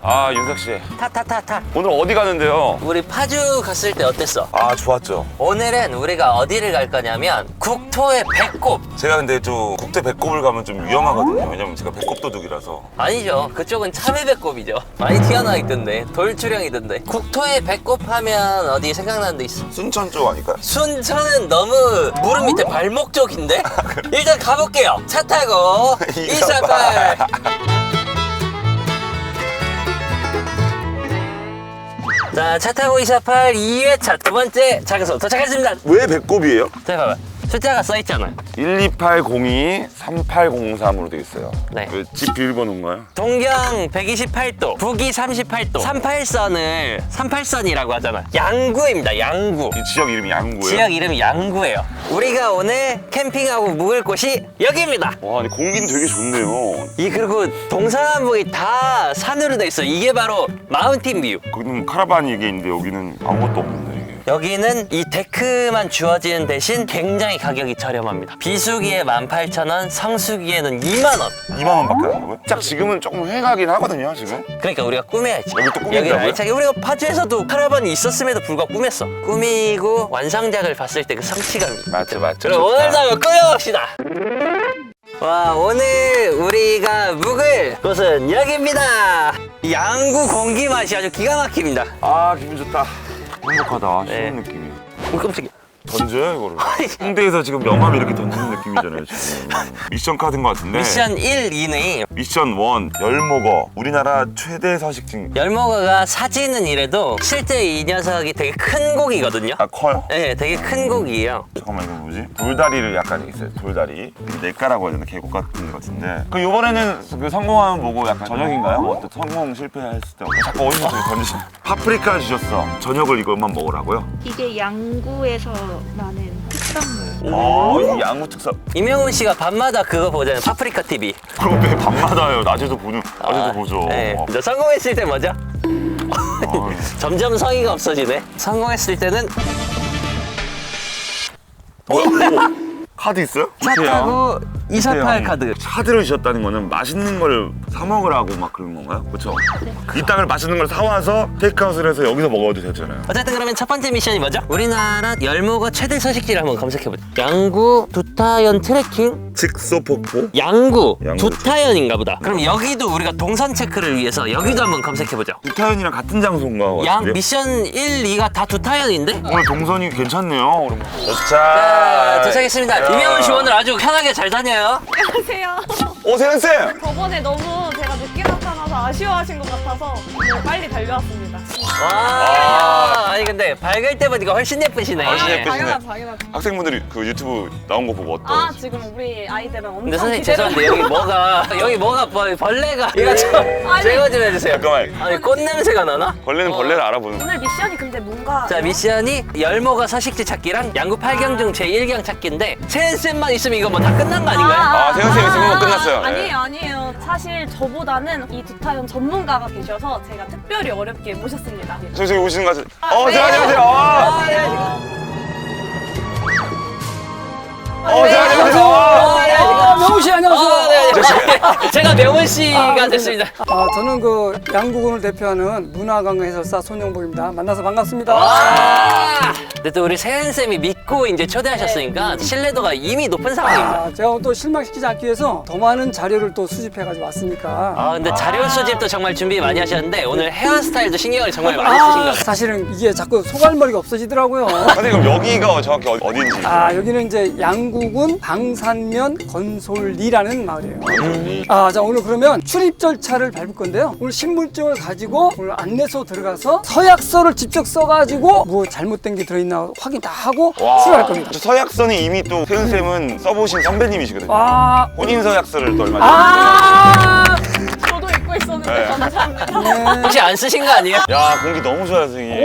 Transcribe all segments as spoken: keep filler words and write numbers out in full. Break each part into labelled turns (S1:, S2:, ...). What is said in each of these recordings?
S1: 아, 윤석 씨.
S2: 타타타타.
S1: 오늘 어디 가는데요?
S2: 우리 파주 갔을 때 어땠어?
S1: 아, 좋았죠.
S2: 오늘은 우리가 어디를 갈 거냐면 국토의 배꼽.
S1: 제가 근데 좀 국대 배꼽을 가면 좀 위험하거든요. 왜냐면 제가 배꼽 도둑이라서.
S2: 아니죠. 그쪽은 참외 배꼽이죠. 많이 튀어나와 있던데. 돌출형이던데. 국토의 배꼽 하면 어디 생각나는 데 있어?
S1: 순천 쪽 아닐까요?
S2: 순천은 너무 무릎 밑에 발목 쪽인데? 일단 가볼게요. 차 타고 이사팔. 자, 차 타고 이사팔 이 회차 두 번째 장소 도착했습니다.
S1: 왜 배꼽이에요?
S2: 자, 봐봐. 숫자가 써있잖아요.
S1: 일이팔공이 삼팔공삼으로 돼 있어요.
S2: 네.
S1: 왜 집 비밀번호인가요?
S2: 동경 백이십팔 도, 북위 삼십팔 도, 삼십팔 선을 삼십팔 선이라고 하잖아. 양구입니다, 양구.
S1: 이 지역 이름이 양구예요?
S2: 지역 이름이 양구예요. 우리가 오늘 캠핑하고 묵을 곳이 여기입니다.
S1: 와, 아니 공기는 되게 좋네요.
S2: 이 그리고 동서남북이 다 산으로 돼 있어. 이게 바로 마운틴 뷰.
S1: 거기는 카라반이 이게 있는데 여기는 아무것도 없는데 이게.
S2: 여기는 이 데크만 주어지는 대신 굉장히 가격이 저렴합니다. 비수기에 만 팔천 원, 성수기에는 이만 원.
S1: 이만 원밖에 안 하고요? 딱 지금은 조금 회가긴 하거든요, 지금.
S2: 그러니까 우리가 꾸며야지.
S1: 여기 또 꾸민다고요?
S2: 여기를 알차게. 우리가 파주에서도 카라반이 있었음에도 불구하고 꾸몄어. 꾸미고 완성작을 봤을 때 그 성취감이.
S1: 맞죠, 맞죠.
S2: 그럼 오늘도 한번 꾸며봅시다. 와, 오늘 우리가 묵을 곳은 여기입니다. 양구 공기 맛이 아주 기가 막힙니다.
S1: 아, 기분 좋다. 행복하다.
S2: 네.
S1: 쉬는 느낌이.
S2: 어, 깜짝이야.
S1: 던져요, 이거를. 홍대에서 지금 명함 이렇게 던지는 느낌이잖아요, 지금. 미션 카드인 것 같은데.
S2: 미션 일, 이는
S1: 미션 일, 열목어. 우리나라 최대 서식지.
S2: 열목어가 사진은 이래도 실제 이 녀석이 되게 큰 고기거든요.
S1: 아, 커요?
S2: 네, 되게 큰 고기예요.
S1: 잠깐만, 이거 뭐지? 돌다리를 약간 있어요, 돌다리. 냇가라고 해야 되나? 계곡 같은 것 같은데. 그 이번에는 그 성공하면 뭐고 약간 저녁인가요? 뭐 어떤 성공 실패했을 때 자꾸 어디서 저기 던지시는. 파프리카 주셨어. 저녁을 이것만 먹으라고요?
S3: 이게 양구에서 나는 특산물.
S1: 아, 이 양구 특사.
S2: 이명훈 씨가 밤마다 그거 보잖아요. 파프리카 티비.
S1: 그럼 왜 밤마다요? 낮에도 보는, 낮에도
S2: 아,
S1: 보죠.
S2: 네.
S1: 어.
S2: 이제 성공했을 때 뭐죠?
S1: 아유.
S2: 점점 성의가 없어지네. 성공했을 때는
S1: 뭐야? 오, 카드 있어요?
S2: 차 타고 이사팔 카드.
S1: 카드를 주셨다는 거는 맛있는 걸 사 먹으라고 막 그런 건가요? 그렇죠? 이 땅을 맛있는 걸 사와서 테이크아웃을 해서 여기서 먹어도 되잖아요.
S2: 어쨌든 그러면 첫 번째 미션이 뭐죠? 우리나라 열목어 최대 서식지를 한번 검색해보자. 양구 두타연 트레킹?
S1: 직소폭포?
S2: 양구,
S1: 양구
S2: 두타연인가 보다. 그럼 여기도 우리가 동선 체크를 위해서 여기도 한번 검색해보죠.
S1: 두타연이랑 같은 장소인가?
S2: 양
S1: 같은데요?
S2: 미션 일, 이가 다 두타연인데?
S1: 오늘 동선이 괜찮네요. 그럼.
S2: 자, 도착했습니다. 이명훈 씨 오늘 아주 편하게 잘 다녀요.
S3: 안녕하세요.
S1: 오, 세연쌤!
S3: 저번에 너무 제가 늦게 나타나서 아쉬워하신 것 같아서 오늘 빨리 달려왔습니다.
S2: 와, 아니 근데 밝을 때 보니까 훨씬 예쁘시네.
S1: 훨씬 예쁘-
S3: 당연하죠, 당연하죠.
S1: 학생분들이 그 유튜브 나온 거 보고 어떠?
S3: 아, 지금 우리 아이들은 엄청
S2: 근데 선생님
S3: 기대를
S2: 죄송한데 여기 뭐가 여기 뭐가 벌, 벌레가 이거 좀
S3: 아니.
S2: 제거 좀 해주세요.
S1: 잠깐만.
S2: 아니 꽃 냄새가 나나?
S1: 벌레는 벌레를 알아보는.
S3: 오늘 미션이 근데 뭔가
S2: 자 미션이 열목어 서식지 찾기랑 양구 팔 경 중 제일 경 찾기인데 세은쌤만 있으면 이거 뭐 다 끝난 거 아닌가요?
S1: 아, 세연쌤 있으면 뭐 끝났어요. 네.
S3: 아니에요, 아니에요. 사실 저보다는 이 두타연 전문가가 계셔서 제가 특별히 어렵게 모셨습니다.
S1: 저기 저기 오시는 거 같아요.
S3: 아,
S1: 어,
S3: 네.
S1: 안녕하세요.
S2: 아,
S1: 아,
S2: 네.
S1: 어,
S2: 네.
S1: 안녕하세요.
S2: 아, 네.
S4: 아, 명훈 씨 안녕하세요.
S2: 아, 네. 제- 제가 명훈 씨가 됐습니다.
S4: 아, 저는 그 양구군을 대표하는 문화관광 해설사 손영복입니다. 만나서 반갑습니다.
S2: 와! 근데 또 우리 세은쌤이 믿고 이제 초대하셨으니까 신뢰도가 이미 높은 상황입니다.
S4: 아, 제가 또 실망시키지 않기 위해서 더 많은 자료를 또 수집해가지고 왔으니까.
S2: 아 근데 자료 수집도 정말 준비 많이 하셨는데 오늘 헤어스타일도 신경을 정말 많이 쓰신 것
S4: 아,
S2: 같아요.
S4: 사실은 이게 자꾸 소갈머리가 없어지더라고요.
S1: 선생님, 그럼 여기가 정확히 어- 어딘지.
S4: 아, 여기는 이제 양구군 방산면 건솔리라는 마을이에요. 아, 자, 오늘 그러면 출입 절차를 밟을 건데요. 오늘 신분증을 가지고 오늘 안내소 들어가서 서약서를 직접 써가지고 뭐 잘못된 게 들어있나 확인 다 하고
S1: 와.
S4: 출발할 겁니다.
S1: 저 서약서는 이미 또 세은쌤은 써보신 선배님이시거든요.
S4: 아,
S1: 혼인 서약서를 또 얼마 전에.
S4: 아,
S3: 저도 잊고 있었는데
S1: 네.
S3: 감사합니다.
S4: 네.
S2: 혹시 안 쓰신 거 아니에요?
S1: 야, 공기 너무 좋아요, 선생님.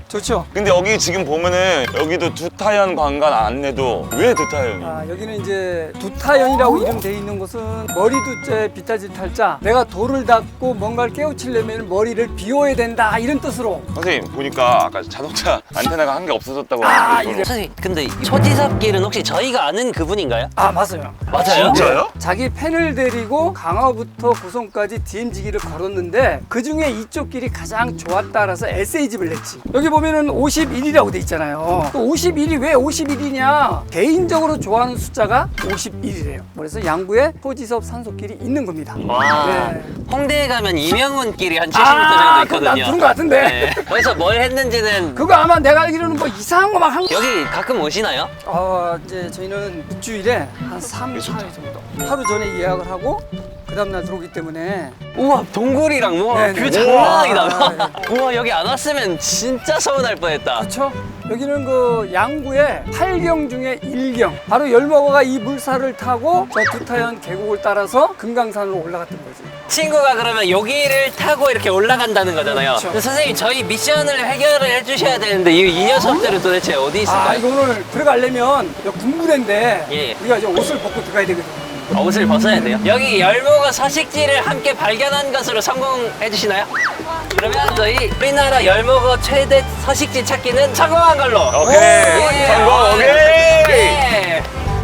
S4: 좋죠.
S1: 근데 여기 지금 보면은 여기도 두타연 관광 안내도 왜 두타연이?
S4: 아, 여기는 이제 두타연이라고 이름 돼 있는 곳은 머리 두째 비타지 탈자, 내가 돌을 닦고 뭔가를 깨우치려면 머리를 비워야 된다 이런 뜻으로.
S1: 선생님 보니까 아까 자동차 안테나가 한 개 없어졌다고
S4: 아,
S1: 하는데
S4: 이래.
S2: 선생님 근데 이 초지섭길은 혹시 저희가 아는 그분인가요?
S4: 아, 맞아요.
S2: 맞아요?
S1: 진짜요?
S4: 자기 팬을 데리고 강화부터 고성까지 디엠지기를 걸었는데 그 중에 이쪽 길이 가장 좋았다라서 에세이집을 냈지. 여기 보면은 오십일 일이라고 돼 있잖아요. 그 오십일 이 왜 오십일 이냐? 개인적으로 좋아하는 숫자가 오십일이래요. 그래서 양구에 토지섭 산소길이 있는 겁니다.
S2: 와
S4: 네.
S2: 홍대에 가면 이명훈 길이 한 칠십 미터
S4: 아,
S2: 정도
S4: 그건
S2: 있거든요.
S4: 난 들은 것 같은데.
S2: 네. 거기서 뭘 했는지는
S4: 그거 아마 내가 알기로는 뭐 이상한 거 막 한 거.
S2: 여기 가끔 오시나요?
S4: 어, 이제 저희는 일주일에 한 삼, 사 회 정도. 하루 전에 예약을 하고 그 다음날 들어오기 때문에.
S2: 우와 동굴이랑 뭐
S4: 네네.
S2: 뷰 장난
S4: 우와.
S2: 아니다. 우와 여기 안 왔으면 진짜 서운할 뻔했다.
S4: 그렇죠? 여기는 그 양구의 팔 경 중에 일 경. 바로 열머거가 이 물살을 타고 저 두타연 계곡을 따라서 금강산으로 올라갔던 거지.
S2: 친구가 그러면 여기를 타고 이렇게 올라간다는 거잖아요.
S4: 그렇죠.
S2: 근데 선생님 저희 미션을 해결을 해주셔야 되는데 이, 이 녀석들은 도대체 어디 있을까요?
S4: 아, 이거 오늘 들어가려면 여기 군부대인데
S2: 예.
S4: 우리가 이제 옷을 벗고 들어가야 되거든.
S2: 어, 옷을 벗어야 돼요? 여기 열무가 서식지를 함께 발견한 것으로 성공해 주시나요? 그러면 저희 우리나라 열무가 최대 서식지 찾기는 성공한 걸로.
S1: 오케이
S2: 예.
S1: 성공 오케이.
S2: 예.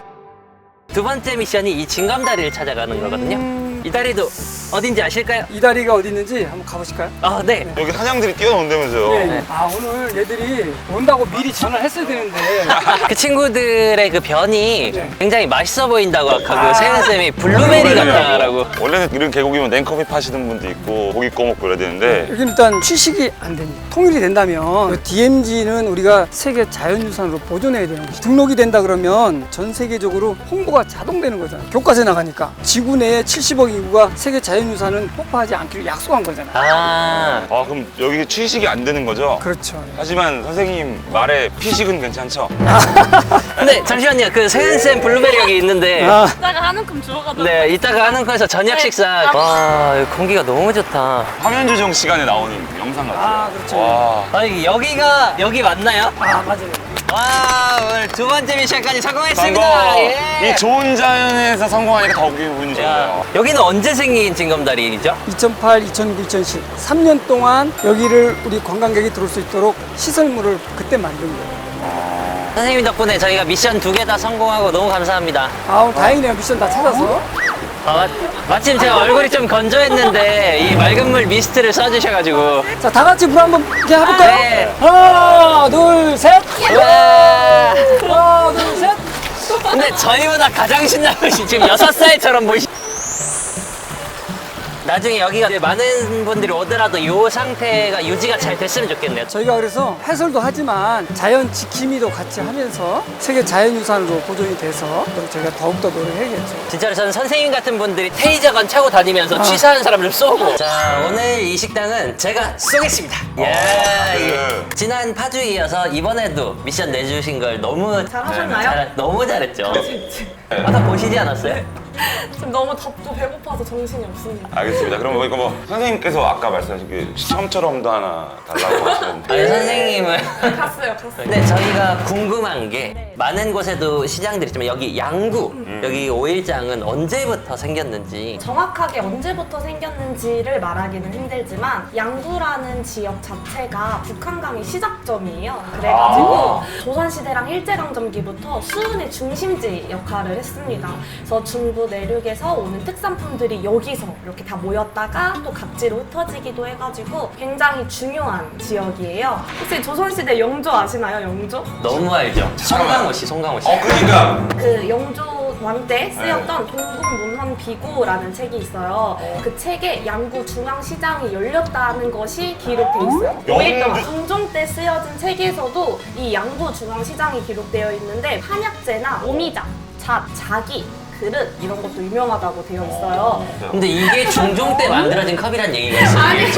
S2: 두 번째 미션이 이 징검다리를 찾아가는 거거든요. 이 다리도 어딘지 아실까요?
S4: 이 다리가 어디 있는지 한번 가보실까요?
S2: 아, 네.
S1: 여기 사냥들이 뛰어논다면서요?
S4: 예. 아, 오늘 얘들이 온다고 미리 전화를 했어야 되는데.
S2: 그 친구들의 그 변이
S4: 네.
S2: 굉장히 맛있어 보인다고 아까
S4: 아.
S2: 그 세은 쌤이 블루베리 같다라고.
S1: 원래는 이런 계곡이면 냉커피 파시는 분도 있고 고기 구워 먹고 그래야 되는데
S4: 여기는 일단 취식이 안 됩니다. 통일이 된다면 디엠지는 우리가 세계 자연유산으로 보존해야 되는 거지. 등록이 된다 그러면 전 세계적으로 홍보가 자동되는 거잖아. 교과서에 나가니까 지구 내에 칠십억 인구가 세계 자연유산은 폭파하지 않기를 약속한 거잖아.
S2: 아.
S1: 아 그럼 여기 취식이 안 되는 거죠?
S4: 그렇죠.
S1: 하지만 선생님 말에 피식은 괜찮죠?
S2: 근데 잠시만요. 그 세은 쌤 블루베리 여기 있는데.
S4: 아,
S3: 이따가 한 움큼 주워가도
S2: 네, 이따가 하는 거에서 저녁
S3: 네.
S2: 식사.
S3: 아.
S2: 와, 여기 공기가 너무 좋다.
S1: 화면 조정 시간에 나오는 영상 같아요.
S4: 아, 그렇죠.
S1: 와.
S2: 아니, 여기가 여기 맞나요?
S4: 아, 맞아요.
S2: 와, 오늘 두 번째 미션까지 성공했습니다.
S1: 성공!
S2: 예.
S1: 이 좋은 자연에서 성공하니까 더 기분이 좋네요.
S2: 야, 여기는 언제 생긴 징검다리이죠?
S4: 이천팔, 이천구, 이천십 삼 년 동안 여기를 우리 관광객이 들어올 수 있도록 시설물을 그때 만든 거예요.
S2: 선생님 덕분에 저희가 미션 두 개 다 성공하고 너무 감사합니다.
S4: 아, 오늘 다행이네요. 미션 다 찾아서.
S2: 아, 마, 마침 제가 얼굴이 좀 건조했는데 이 맑은 물 미스트를 써주셔가지고.
S4: 자, 다 같이 물 한번 이렇게 해볼까요?
S2: 네.
S4: 하나, 둘, 셋.
S2: 와.
S4: 하나, 둘, 셋.
S2: 근데 저희보다 가장 신나는 것이 지금 여섯 살처럼 보이시. 나중에 여기가 이제 많은 분들이 오더라도 이 상태가 유지가 잘 됐으면 좋겠네요.
S4: 저희가 그래서 해설도 하지만 자연 지킴이도 같이 하면서 세계 자연유산으로 보존이 돼서 그리고 저희가 더욱더 노력해야겠죠.
S2: 진짜로 저는 선생님 같은 분들이 테이저건 차고 다니면서 취사하는 사람을 쏘고. 자, 오늘 이 식당은 제가 쏘겠습니다. 예.
S1: 네.
S2: 지난 파주 이어서 이번에도 미션 내주신 걸 너무
S3: 잘하셨나요?
S2: 잘, 너무 잘했죠. 아까 보시지 않았어요?
S3: 지금 너무 덥고 배고파서 정신이 없습니다.
S1: 알겠습니다. 그럼 이거 뭐 선생님께서 아까 말씀하신 그 시험처럼도 하나 달라고 하시는데
S2: 아니 선생님은
S3: 갔어요, 갔어요.
S2: 근데 저희가 궁금한 게
S3: 네.
S2: 많은 곳에도 시장들이 있지만 여기 양구 여기 오일장은 언제부터 생겼는지.
S3: 정확하게 언제부터 생겼는지를 말하기는 힘들지만 양구라는 지역 자체가 북한강의 시작점이에요. 그래가지고 조선시대랑 일제강점기부터 수은의 중심지 역할을 했습니다. 그래서 중부 내륙에서 오는 특산품들이 여기서 이렇게 다 모였다가 또 각지로 흩어지기도 해가지고 굉장히 중요한 지역이에요. 혹시 조선시대 영조 아시나요, 영조?
S2: 너무 알죠? 송강호 씨, 송강호 씨.
S1: 어 그러니까
S3: 그 영조 왕 때 쓰였던 동국문헌비고라는 책이 있어요. 그 책에 양구 중앙시장이 열렸다는 것이 기록돼 있어요. 오일 동안 중종 때 쓰여진 책에서도 이 양구 중앙시장이 기록되어 있는데 한약재나 오미자, 잣, 자기, 그릇 이런 것도 유명하다고 되어 있어요.
S2: 근데 이게 중종 때 만들어진 컵이란 얘기가 있어요. 저 자기가.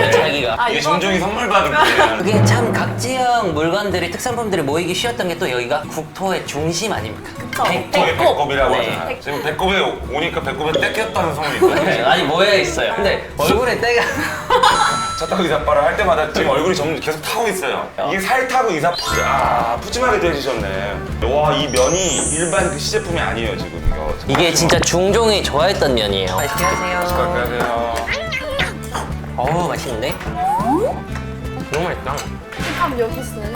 S2: 저희가.
S3: 아,
S1: 이게
S3: 이거는-
S1: 종종이 선물 받은 거예요.
S2: 그게 참 각지형 물건들이 특산품들이 모이기 쉬웠던 게 또 여기가 국토의 중심 아닙니까?
S3: 그쵸.
S2: 백도.
S1: 저게 배꼽이라고
S2: 네.
S1: 하잖아요. 지금 배꼽에 오니까 배꼽에 떼꼈다는 소문이 있거든요.
S2: 네, 아니 모여 있어요. 근데 얼굴에 때가
S1: 차타고 이삿발을 할 때마다 지금 얼굴이 점 계속 타고 있어요. 이게 살 타고 이삿 아 푸짐하게 해주셨네. 와 이 면이 일반 그 시제품이 아니에요 지금 이거.
S2: 이게 진짜 중종이 좋아했던 면이에요. 맛있게 하세요.
S1: 안녕하세요.
S2: 어우 맛있는데? 너무 맛있다.
S3: 밥 여기 있어요.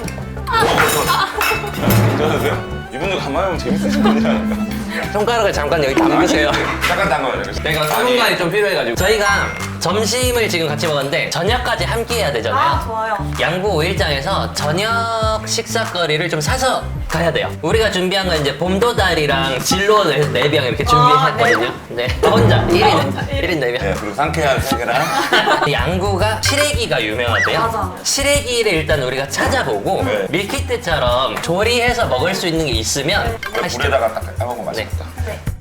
S1: 괜찮으세요? 이분들 가만히 보면 재밌으신 분이 아닐까?
S2: 손가락을 잠깐 여기 담그세요.
S1: 잠깐 담가요.
S2: 내가 수분감이 좀 필요해가지고 저희가 점심을 지금 같이 먹었는데 저녁까지 함께 해야 되잖아요.
S3: 아, 좋아요.
S2: 양구 오일장에서 저녁 식사거리를 좀 사서 가야 돼요. 우리가 준비한 건 이제 봄도다리랑 진로를 네 병 이렇게 준비했거든요. 네. 저 혼자 일 인 일 인 네 병.
S1: 네 그리고 상쾌한 세계랑
S2: 양구가 시래기가 유명하대요.
S3: 맞아.
S2: 시래기를 일단 우리가 찾아보고
S1: 네.
S2: 밀키트처럼 조리해서 먹을 수 있는 게 있으면 하시죠.
S1: 물에다가 딱 따먹으면 맛있겠다.
S3: 네.